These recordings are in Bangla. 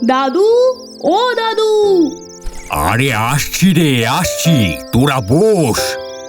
দাদু, ও দাদু। আরে আসছি রে, আসছি, তোরা বস।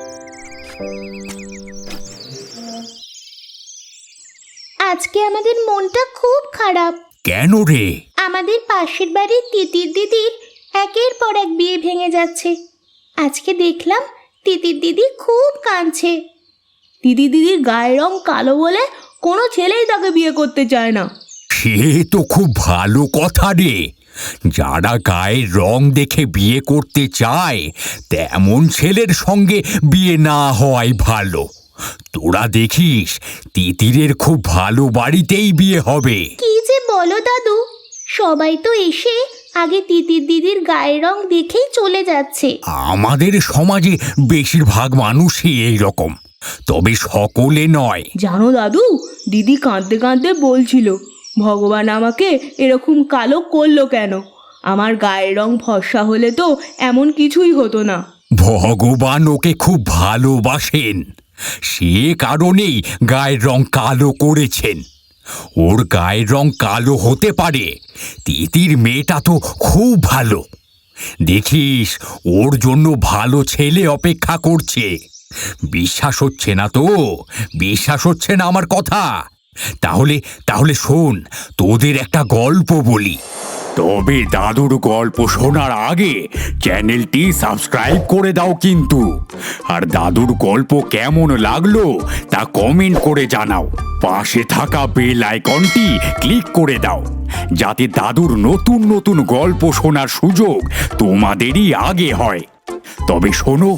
আজকে আমাদের মনটা খুব খারাপ। কেন রে? আমাদের পাশের বাড়ির তিতির দিদির একের পর এক বিয়ে ভেঙে যাচ্ছে। আজকে দেখলাম তিতির দিদি খুব কাঁদছে। দিদির গায়ের রং কালো বলে কোনো ছেলেই তাকে বিয়ে করতে চায় না। সে তো খুব ভালো কথা রে। যারা গায়ের রং দেখে বিয়ে করতে চায় তেমন ছেলের সঙ্গে বিয়ে না হওয়াই ভালো। তোরা দেখিস তিতিরের খুব ভালো বাড়িতেই বিয়ে হবে। কি যে বলো দাদু, সবাই তো এসে আগে তিতির দিদির গায়ের রং দেখেই চলে যাচ্ছে। আমাদের সমাজে বেশিরভাগ মানুষই এই রকম, তবে সকলে নয়। জানো দাদু, দিদি কাঁদতে কাঁদতে বলছিল, ভগবান আমাকে এরকম কালো করলো কেন? আমার গায়ের রং ফর্সা হলে তো এমন কিছুই হতো না। ভগবান ওকে খুব ভালোবাসেন, সে কারণেই গায়ের রং কালো করেছেন। ওর গায়ের রং কালো হতে পারে, তিতির মেয়েটা তো খুব ভালো। দেখিস ওর জন্য ভালো ছেলে অপেক্ষা করছে। বিশ্বাস হচ্ছে না তো? বিশ্বাস হচ্ছে না আমার কথা? তাহলে তাহলে শোন, তোদের একটা গল্প বলি। তবে দাদুর গল্প শোনার আগে চ্যানেলটি সাবস্ক্রাইব করে দাও কিন্তু। আর দাদুর গল্প কেমন লাগলো তা কমেন্ট করে জানাও। পাশে থাকা বেল আইকনটি ক্লিক করে দাও, যাতে দাদুর নতুন নতুন গল্প শোনার সুযোগ তোমাদেরই আগে হয়। তবে শোনো,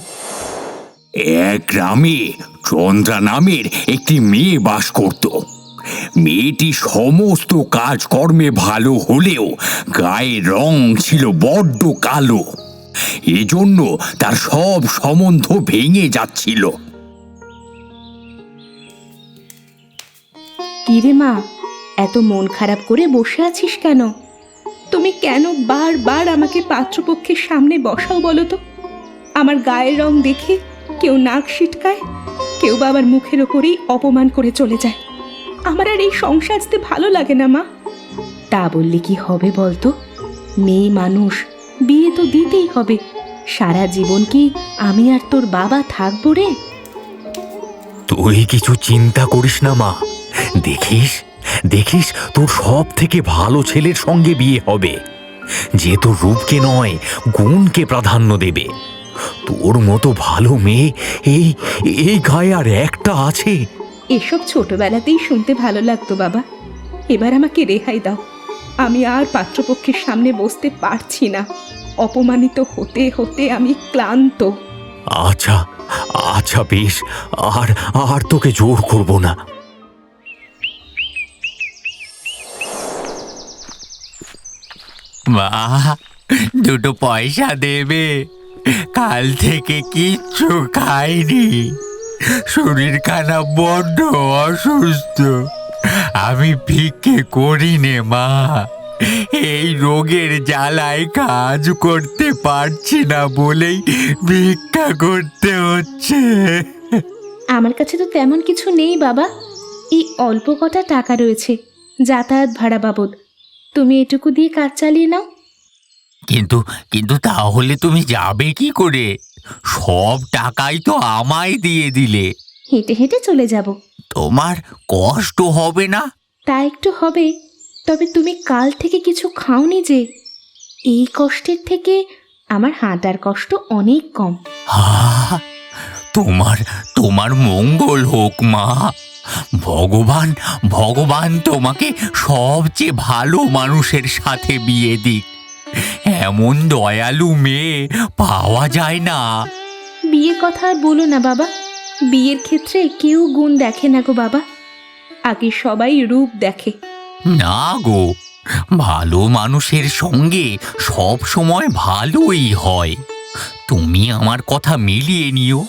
এক গ্রামে চন্দ্রা নামের একটি মেয়ে বাস করত। মেয়েটি সমস্ত কাজকর্মে ভালো হলেও গায়ের রং ছিল বড্ড কালো। এজন্য তার সব সম্বন্ধ ভেঙে যাচ্ছিল। কিরে মা, এত মন খারাপ করে বসে আছিস কেন? তুমি কেন বারবার আমাকে পাত্রপক্ষের সামনে বসাও বলো তো? আমার গায়ের রং দেখে কেউ নাক সিটকায়, কেউ বা আবার মুখের ওপরেই অপমান করে চলে যায়। আমার আর এই সংসারতে ভালো লাগে না মা। তা বললে কি হবে বলতো? মেয়ে মানুষ, বিয়ে তো দিতেই হবে। সারা জীবন কি আমি আর তোর বাবা থাকবো রে? তুই কিছু চিন্তা করিস না মা, দেখিস দেখিস তোর সব থেকে ভালো ছেলের সঙ্গে বিয়ে হবে, যে তোর রূপকে নয় গুণকে প্রাধান্য দেবে। তোর মতো ভালো মেয়ে এই এই গায়ে আর একটা আছে? এসব ছোটবেলাতেই শুনতে ভালো লাগতো বাবা। এবার আমাকে রেহাই দাও। আমি আর পাত্রপক্ষের সামনে বসতে পারছি না। অপমানিত হতে হতে আমি ক্লান্ত। আচ্ছা আচ্ছা বেশ, আর আর তোকে জোর করব না। মা, দুটো পয়সা দেবে? কাল থেকে কিচ্ছু খাইনি, শরীর খারাপ, বড্ড অসুস্থ। আমি ভিক্ষে করি নে মা, এই রোগের জ্বালায় কাজ করতে পারছি না বলেই ভিক্ষা করতে হচ্ছে। আমার কাছে তো তেমন কিছু নেই বাবা। এই অল্প কটা টাকা রয়েছে যাতায়াত ভাড়া বাবদ। তুমি এটুকু দিয়ে কাজ চালিয়ে নাও। কিন্তু কিন্তু তাহলে তুমি যাবে কি করে? সব টাকাই তো আমায় দিয়ে দিলে। হেঁটে হেঁটে চলে যাব। তোমার কষ্ট হবে না? তা একটু হবে, তবে তুমি কাল থেকে কিছু খাওনি যে। এই কষ্টের থেকে আমার হাঁটার কষ্ট অনেক কম। আহ, তোমার তোমার মঙ্গল হোক মা। ভগবান ভগবান তোমাকে সবচেয়ে ভালো মানুষের সাথে বিয়ে দিক। এমন দয়ালু মেয়ে পাওয়া যায় না। বিয়ের কথা আর বলো না বাবা। বিয়ের ক্ষেত্রে কেউ গুণ দেখে না গো বাবা, আগে সবাই রূপ দেখে। না গো, ভালো মানুষের সঙ্গে সব সময় ভালোই হয়। তুমি আমার কথা মিলিয়ে নিও।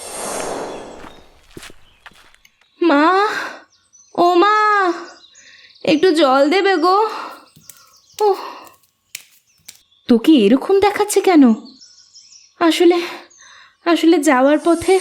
মা, ও মা, একটু জল দেবে গো। ওহ, তোকে এরকম দেখাচ্ছে কেন? আসলে আসলে যাওয়ার পথে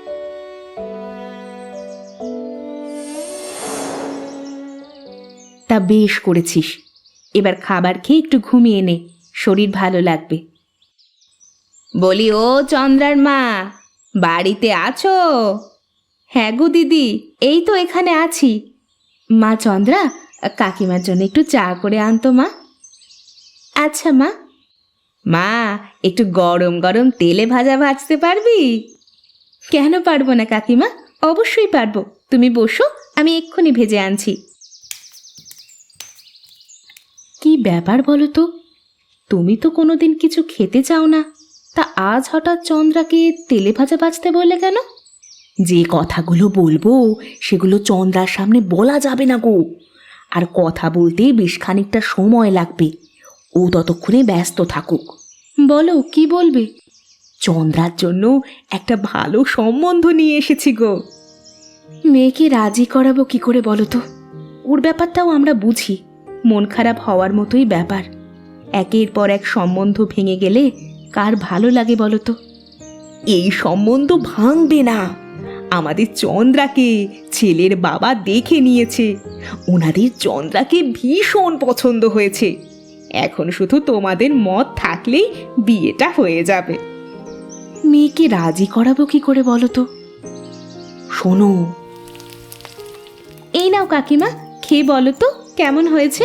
তা বেশ করেছিস। এবার খাবার খেয়ে একটু ঘুমিয়ে নে, শরীর ভালো লাগবে। বলি, ও চন্দ্রার মা, বাড়িতে আছো? হ্যাঁ গো দিদি, এই তো এখানে আছি। মা চন্দ্রা, কাকিমার জন্য একটু চা করে আনতো মা। আচ্ছা মা। মা, একটু গরম গরম তেলে ভাজা ভাজতে পারবি? কেন পারবো না কাকিমা, অবশ্যই পারবো। তুমি বসো, আমি এক্ষুনি ভেজে আনছি। কি ব্যাপার বলো তো, তুমি তো কোনোদিন কিছু খেতে চাও না, তা আজ হঠাৎ চন্দ্রাকে তেলে ভাজা ভাজতে বললে কেন? যে কথাগুলো বলবো সেগুলো চন্দ্রার সামনে বলা যাবে না গো। আর কথা বলতে বেশ খানিকটা সময় লাগবে, ও ততক্ষণে ব্যস্ত থাকুক। বলো, কি বলবে? চন্দ্রার জন্য একটা ভালো সম্বন্ধ নিয়ে এসেছি গো। মেয়েকে রাজি করাবো কি করে বলো তো? ওর ব্যাপারটাও আমরা বুঝি, মন খারাপ হওয়ার মতোই ব্যাপার। একের পর এক সম্বন্ধ ভেঙে গেলে কার ভালো লাগে বলো তো? এই সম্বন্ধ ভাঙবে না। আমাদের চন্দ্রাকে ছেলের বাবা দেখে নিয়েছে, ওনাদের চন্দ্রাকে ভীষণ পছন্দ হয়েছে। এখন শুধু তোমাদের মত থাকলেই বিয়েটা হয়ে যাবে। মেয়েকে রাজি করাবো কি করে বলো তো? শোনো, এই নাও কাকিমা, খেয়ে বলো তো কেমন হয়েছে।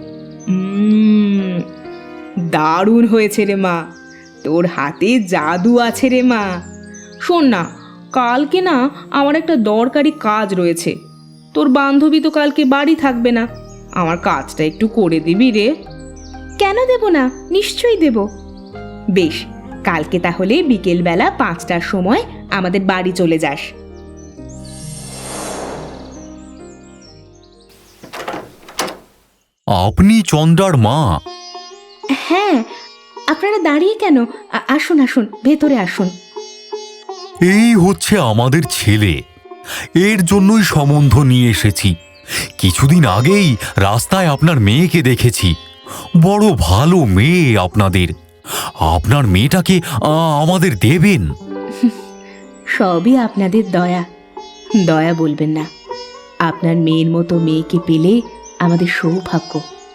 দারুণ হয়েছে রে মা, তোর হাতে জাদু আছে রে মা। শোন না, কালকে না আমার একটা দরকারি কাজ রয়েছে। তোর বান্ধবী তো কালকে বাড়ি থাকবে না, আমার কাজটা একটু করে দিবি রে। কেন দেব না, নিশ্চয়ই দেব। বেশ, কালকে তাহলে বিকেলবেলা 5টার সময় আমাদের বাড়ি চলে যাস। আপনি চন্দ্রার মা? হ্যাঁ, আপনারা দাঁড়িয়ে কেন? আসুন আসুন, ভেতরে আসুন। এই হচ্ছে আমাদের ছেলে, এর জন্যই সম্বন্ধ নিয়ে এসেছি। কিছুদিন আগেই রাস্তায় আপনার মেয়েকে দেখেছি, বড় ভালো মেয়ে আপনাদের। আপনার মেয়েটাকে আমাদের দেবেন? সবই আপনাদের দয়া, দয়া বলবেন না। আপনার মেয়ের মতো মেয়েকে পেলে আমাদের সৌভাগ্য।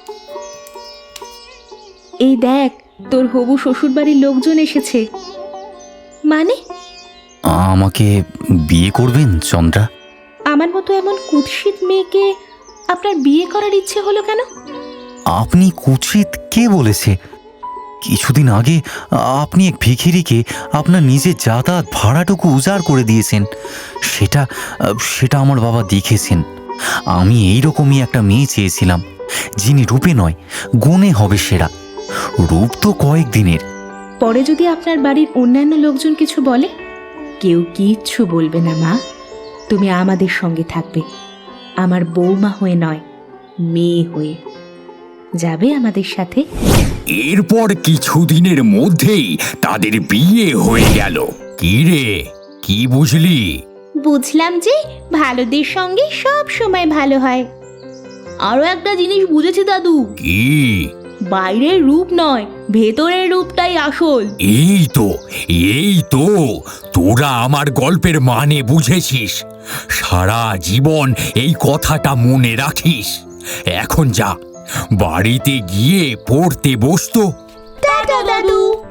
এই দেখ, তোর হবু শ্বশুরবাড়ির লোকজন এসেছে। মানে? আমাকে বিয়ে করবেন চন্দ্রা? আমার মতো এমন কুৎসিত মেয়েকে আপনার বিয়ে করার ইচ্ছে হলো কেন? আপনি কুৎসিত কে বলেছে? কিছুদিন আগে আপনি এক ভিখিরিকে আপনার নিজের যাতায়াত ভাড়াটুকু উজাড় করে দিয়েছেন। সেটা আমার বাবা দেখেছেন। আমি এইরকমই একটা মেয়ে চেয়েছিলাম, যিনি রূপে নয় গুণে হবে সেরা। রূপ তো কয়েকদিনের। পরে যদি আপনার বাড়ির অন্যান্য লোকজন কিছু বলে, কেউ কিচ্ছু বলবে না মা। তুমি আমাদের সঙ্গে থাকবে, আমার বৌমা হয়ে নয়, মেয়ে হয়ে। যাবে আমাদের সাথে। এরপর কিছুদিনের মধ্যেই তাদের বিয়ে হয়ে গেল। কি রে, কি বুঝলি? বুঝলাম যে ভালোদের সঙ্গে সব সময় ভালো হয়। আরো একটা জিনিস বুঝেছি দাদু। কি? বাইরের রূপ নয়, ভেতরের রূপটাই আসল। এই তো তোরা আমার গল্পের মানে বুঝেছিস। সারা জীবন এই কথাটা মনে রাখিস। এখন যা, বাড়িতে গিয়ে পড়তে বসতো। টাটা দাদু।